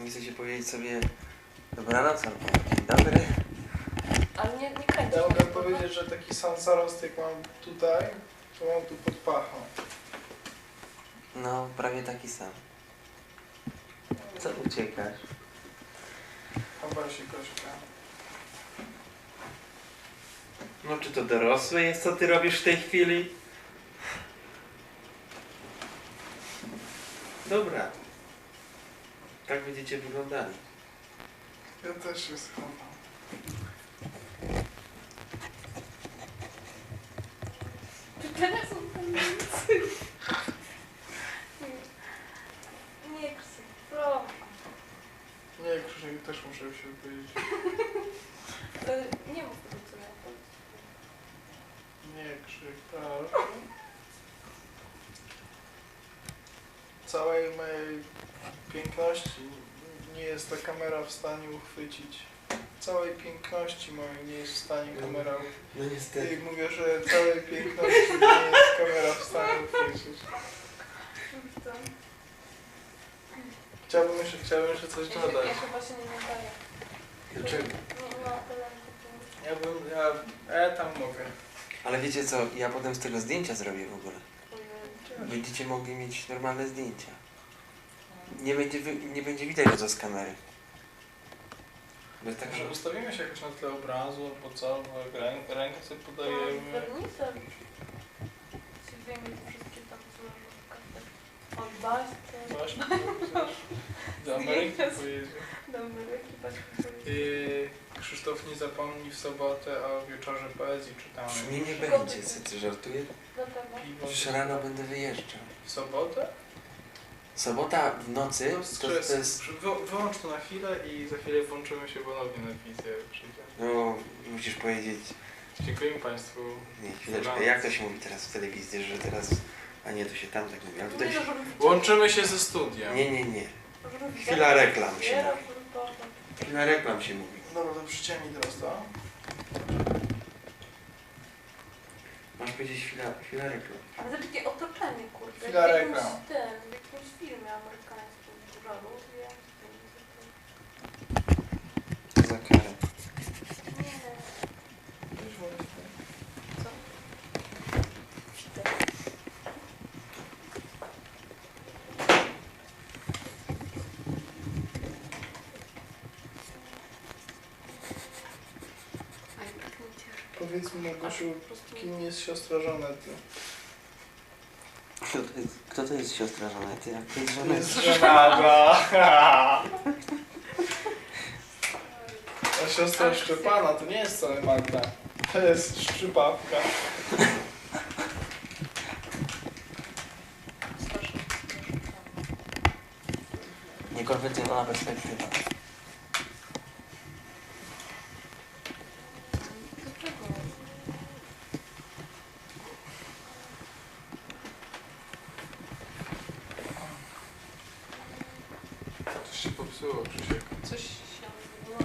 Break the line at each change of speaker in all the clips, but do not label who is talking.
czasami chcecie powiedzieć sobie dobranoc albo dzień dobry.
Ale nie kręcisz.
Ja mogę powiedzieć, że taki sam zarost jak mam tutaj, to mam tu pod pachą.
No, prawie taki sam. Co uciekasz?
Chyba się Gośka.
No, czy to dorosłe jest, co ty robisz w tej chwili? Dobra. Tak będziecie wyglądali.
Ja też się schowam.
Teraz są panicy. Nie Krzysiek, proszę.
Nie, Krzysiek, też muszę się powiedzieć.
Ale nie mów tego, co ja powiem.
Nie, Krzysiek, proszę. Całej mojej piękności nie jest ta kamera w stanie uchwycić. Całej piękności mojej nie jest w stanie kamera uchwycić.
No niestety.
I mówię, że całej piękności nie jest kamera w stanie uchwycić. Chciałbym jeszcze coś dodać.
Ja chyba się nie nadaję.
Dlaczego?
Ja tam mogę.
Ale wiecie co, ja potem z tego zdjęcia zrobię w ogóle. Będziecie mogli mieć normalne zdjęcia. Nie będzie widać go z kamery. Bez tak,
Może ustawimy się jakoś na tle obrazu, albo co? Rękę sobie podajemy.
Wernicę. Się wyjmie te wszystkie tam złożówka. Od Baśce.
Właśnie, do Ameryki pojedzie.
Do Ameryki, Baśce.
Krzysztof, nie zapomnij w sobotę o wieczorze poezji czytamy.
Nie, nie będzie, co ty żartujesz?
Na pewno.
Piwo.
Przecież rano będę wyjeżdżał.
W sobotę?
Sobota w nocy to jest...
Wyłącz to na chwilę i za chwilę włączymy się ponownie na wizję, jak przyjdzie.
No, musisz powiedzieć...
Dziękujemy Państwu.
Nie, chwileczkę, jak to się mówi teraz w telewizji, że teraz... A nie, to się tam tak mówi, ale tutaj się...
Łączymy się ze studiem.
Nie. Chwila reklam się mówi.
mówi.
Chwila reklam się mówi.
Dobra, to przyciemnij teraz to.
Masz powiedzieć chwila reklam.
Ale to takie otoczenie, kurde.
Chwila
w jakimś
reklam.
w jakimś filmie amerykańskim. Duża Ruzja.
Co za karę.
Nie. Co? Aj, tak nie cieszę.
Powiedz mi, Gosiu,
Po prostu
kim jest siostra Żanety?
Kto to jest siostra Żanety? Jak to jest
To
Żaneta?
jest żenada. A siostra Szczepana to nie jest wcale Magda. To jest Szczypawka.
Niekonwencjonalna perspektywa.
Coś się popsuło, Krzysiek.
Coś się wyłoni.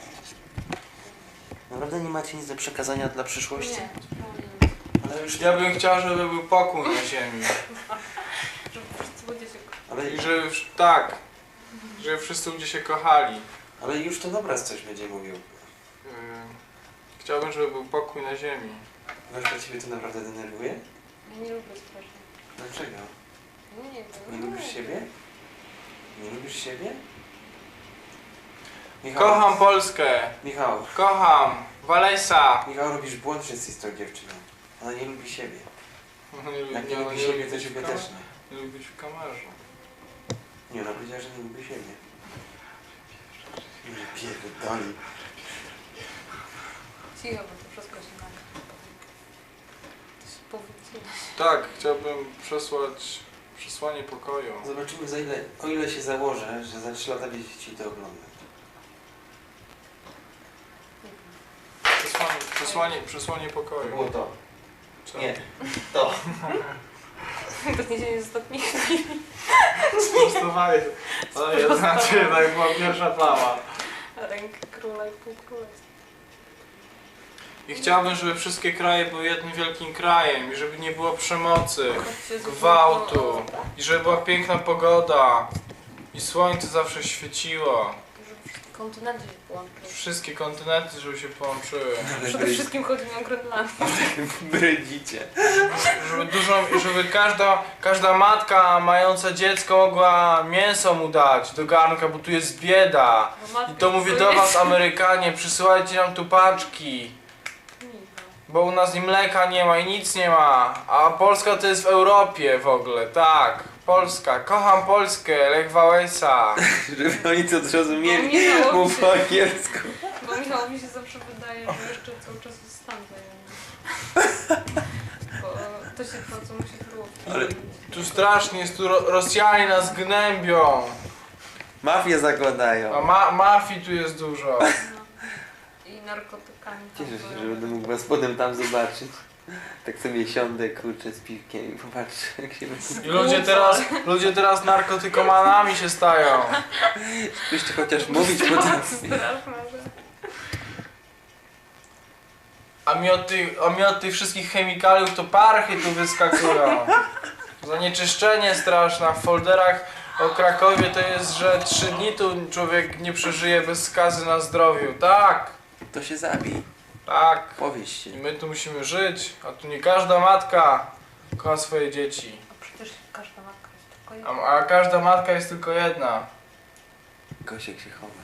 Naprawdę nie macie nic do przekazania dla przyszłości?
Nie,
Ale już...
Ja bym chciał, żeby był pokój na ziemi.
żeby wszyscy ludzie się
Ale,
I żeby, tak, żeby wszyscy ludzie się kochali.
ale już to dobra coś będzie mówił.
Chciałbym, żeby był pokój na ziemi.
Gośka, ciebie to naprawdę denerwuje?
Ja nie lubię strasznie.
Dlaczego?
Nie wiem.
Nie lubisz siebie? Nie lubisz siebie?
Kocham Polskę!
Michał,
Kocham! Walesa!
Michał, robisz błąd wszyscy z tą dziewczyną. Ona nie lubi siebie.
Nie,
Jak nie lubi siebie, to ciebie też nie.
Nie lubi w kamerze.
Nie, ona powiedziała, że nie lubi siebie. Nie pierdoli.
Cicho, bo to wszystko się nagra. To się powiedzieć.
Tak, chciałbym przesłać przesłanie pokoju.
Zobaczymy za ile, o ile się założę, że za 3 lata będziecie chcieli to oglądać.
Przesłanie pokoju.
Było to.
Co?
Nie. To.
To nie dzieje z ostatnich chwil.
Sprostowanie. To jednak była pierwsza plama.
Ręka króla i pół królestwa.
I chciałbym, żeby wszystkie kraje były jednym wielkim krajem i żeby nie było przemocy, gwałtu i żeby była piękna pogoda I słońce zawsze świeciło.
Żeby wszystkie kontynenty się połączyły.
Wszystkie kontynenty, żeby się połączyły.
Przede wszystkim chodzi mi o Grenlandię.
Brydzicie.
Żeby każda matka mająca dziecko mogła mięso mu dać do garnka, bo tu jest bieda. I to mówię do was, Amerykanie, przysyłajcie nam tu paczki. Bo u nas i mleka nie ma i nic nie ma. A Polska to jest w Europie w ogóle, tak. Polska, kocham Polskę, Lech Wałęsa.
Żeby oni to zrozumieli,
Michałowi
mów
się-
po angielsku.
Bo Michałowi się zawsze wydaje, że jeszcze cały czas jest stan wojenny. Bo to się to, co mu się było.
Ale
Tu strasznie jest, tu Rosjanie nas gnębią.
Mafię zakładają.
A mafii tu jest dużo.
No. I narkotykami. tam
Cieszę się,
były.
że będę mógł was potem tam zobaczyć. Tak sobie siądę, kurczę, z piwkiem i popatrzę, jak się
I ludzie teraz narkotykomanami się stają.
Byście chociaż mówić potrafi.
Straszne, że...
A mi od tych wszystkich chemikaliów to parchy tu wyskakują. Zanieczyszczenie straszne. W folderach o Krakowie to jest, że 3 dni tu człowiek nie przeżyje bez skazy na zdrowiu. Tak,
To się zabij.
tak.
Powieście.
I my tu musimy żyć, a tu nie każda matka kocha swoje dzieci.
A przecież każda matka jest tylko jedna.
A każda matka jest tylko jedna.
Gosiek się chowa.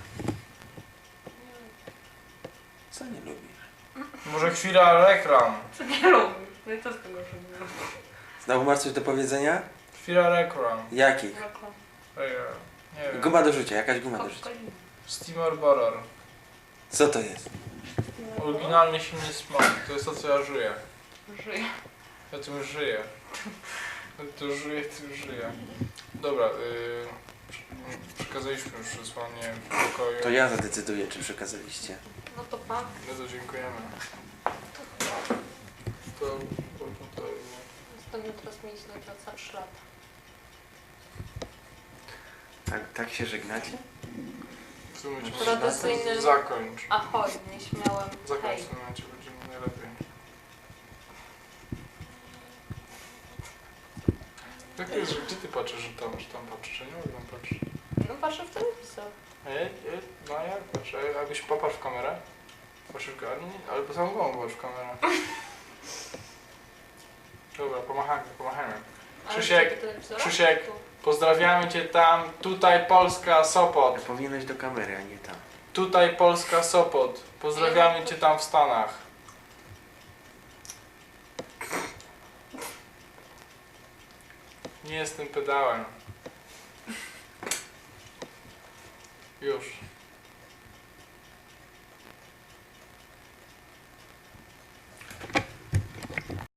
Co nie lubisz?
Może chwila reklam.
Co nie lubisz? No i co z tego, że nie lubisz?
Znowu masz coś do powiedzenia?
Chwila reklam.
Jakich?
Nie wiem.
Guma do rzucia, jakaś guma do rzucia.
Kokolina.
Steamer Borer.
Co to jest?
Oryginalny silny smak. To jest to, co ja żyję.
Żyje.
Ja tym już żyję. Ja tu żyję, tym żyję. Dobra, przekazaliśmy już przesłanie w pokoju.
To ja zadecyduję, czy przekazaliście.
No to pan.
No to dziękujemy. To
Następny teraz mieć na praca 3 lata.
Tak się żegnacie?
w tym momencie
Tradycyjny-
zakończ.
Ahoj, nieśmiałem.
Zakończ
Hej.
w tym momencie, będzie najlepiej. Jak to jest, że gdzie ty patrzysz, że tam patrzysz? Ja nie mogę tam patrzeć.
No patrzę w telewizor.
No jak patrzę? Jakbyś popatrz w kamerę? Patrzysz w kamerę? Ale po samą głową patrz w kamerę. Dobra, pomachajmy.
Ale
Krzysiek,
gdzie do telewizora?
Krzysiek.
Tu.
Pozdrawiamy cię tam, tutaj Polska, Sopot.
Powinieneś do kamery, a nie tam.
Tutaj Polska, Sopot. Pozdrawiamy cię tam w Stanach. Nie jestem pedałem. Już.